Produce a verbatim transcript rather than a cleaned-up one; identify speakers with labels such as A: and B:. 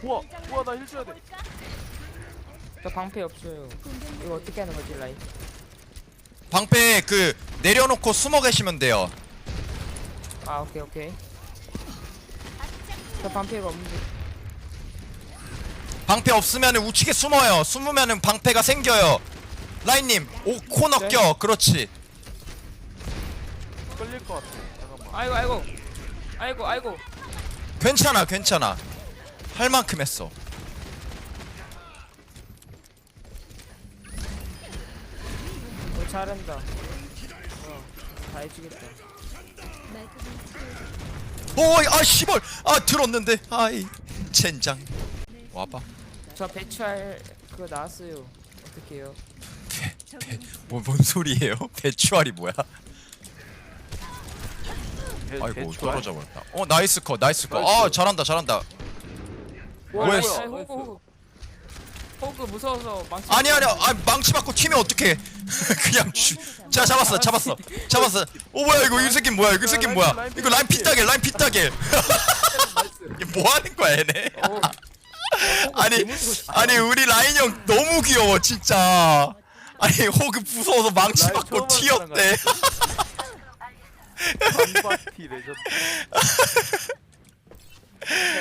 A: 우와 우와 나 힐 줘야 돼.
B: 저 방패 없어요. 이거 어떻게 하는 거지 라인?
C: 방패 그 내려놓고 숨어 계시면 돼요.
B: 아 오케이 오케이. 저 방패가 없는데.
C: 방패 없으면 우측에 숨어요. 숨으면은 방패가 생겨요. 라인님 오 코너
B: 네.
C: 껴. 그렇지.
A: 끌릴 것 같아. 잠깐만.
B: 아이고 아이고 아이고 아이고.
C: 괜찮아 괜찮아. 할 만큼 했어.
B: 어, 잘한다. 어, 다 해주겠다.
C: 오이 아 씨발 아 들었는데 아이 젠장. 와봐.
B: 저 배추알 그거 나왔어요. 어떡해요?
C: 뭐, 뭔 소리예요? 배추알이 뭐야?
A: 배-
C: 아이고
A: 배추알?
C: 떨어져 버렸다. 어 나이스 컷 나이스 컷. 아
A: 나이스.
C: 잘한다 잘한다.
B: 와,
C: 왜?
B: 아이, 아이, 호그 호그. 호그 무서워서 망치.
C: 아니 아니 아 망치 맞고 튀면 어떡해. 그냥 주... 자 잡았어 잡았어 잡았어. 오 뭐야 이거 이 새끼 뭐야 이거 이 새끼 뭐야 이거 라인 피따길 라인 피따길. 이게 뭐 하는 거야 얘네.
B: 어,
C: 아니 아니 우리 라인 형 너무 귀여워 진짜. 아니 호그 무서워서 망치
A: 라인
C: 맞고
A: 처음 하는
C: 튀었대.
A: 반바티 레전드.